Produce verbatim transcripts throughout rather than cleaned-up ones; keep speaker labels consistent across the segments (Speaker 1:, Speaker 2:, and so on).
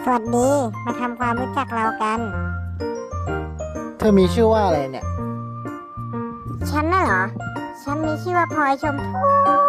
Speaker 1: สวัสดี มาทำความรู้จักเรากัน
Speaker 2: เธอมีชื่อว่าอะไรเนี่ย
Speaker 1: ฉันน่ะเหรอ ฉันมีชื่อว่าพลอยชมพู่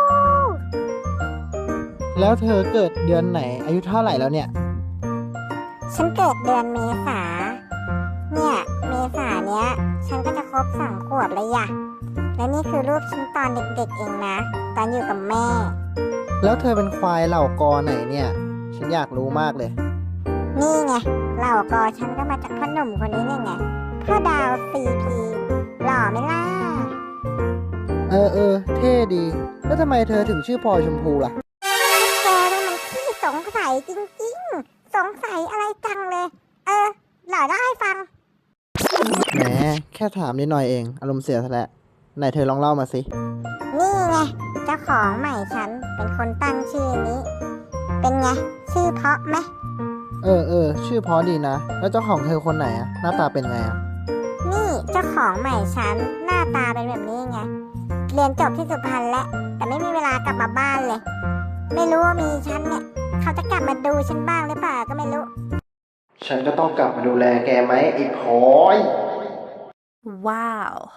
Speaker 2: แล้วเธอเกิดเดือนไหน อายุเท่าไหร่แล้วเนี่ย
Speaker 1: ฉันเกิดเดือนเมษา เนี่ย เมษาเนี้ย ฉันก็จะครบสองขวบเลยอะและนี่คือรูปฉันตอนเด็กๆเองนะ ตอนอยู่กับแม่
Speaker 2: แล้วเธอเป็นควายเหล่ากอไหนเนี่ย ฉันอยากรู้มากเลย
Speaker 1: นี่ไงเหล่ากอฉันก็มาจากพ่อหนุ่มคนนี้เนี่ยไงพ่อดาวซีพีหล่อไหมล่ะ
Speaker 2: เออเออเท่ดี แล้วทำไมเธอถึงชื่อพลอยชมพูล่ะ
Speaker 1: แกนี่มันขี้สงสัยจริงๆ สงสัยอะไรจังเลย เออหล่อได้ฟัง
Speaker 2: แหม แค่ถามนิดหน่อยเอง อารมณ์เสียซะแล้วไหนเธอลองเล่ามาสิ
Speaker 1: นี่ไงเจ้าของใหม่ฉันเป็นคนตั้งชื่อนี้ เป็นไงชื่อเพราะไหม
Speaker 2: เออเออชื่อเพราะดีนะ แล้วเจ้าของเธอคนไหนอะหน้าตาเป็นไงอะ
Speaker 1: นี่เจ้าของใหม่ฉันหน้าตาเป็นแบบนี้ไงเรียนจบที่สุพรรณแล้วแต่ไม่มีเวลากลับมาบ้านเลย ไม่รู้ว่ามีฉันเนี่ยเขาจะกลับมาดูฉันบ้างหรือเปล่าก็ไม่รู้
Speaker 2: ฉันก็ต้องกลับมาดูแลแกไหมไอ้พลอย
Speaker 3: ว้าว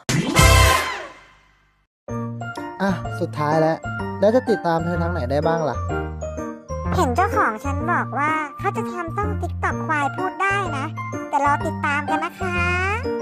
Speaker 2: อ่ะ สุดท้ายแล้ว แล้วจะติดตามเธอทางไหนได้บ้างล่ะ
Speaker 1: เห็นเจ้าของฉันบอกว่าเขาจะทำต้องติ๊กต็อกควายพูดได้นะ แต่รอติดตามกันนะคะ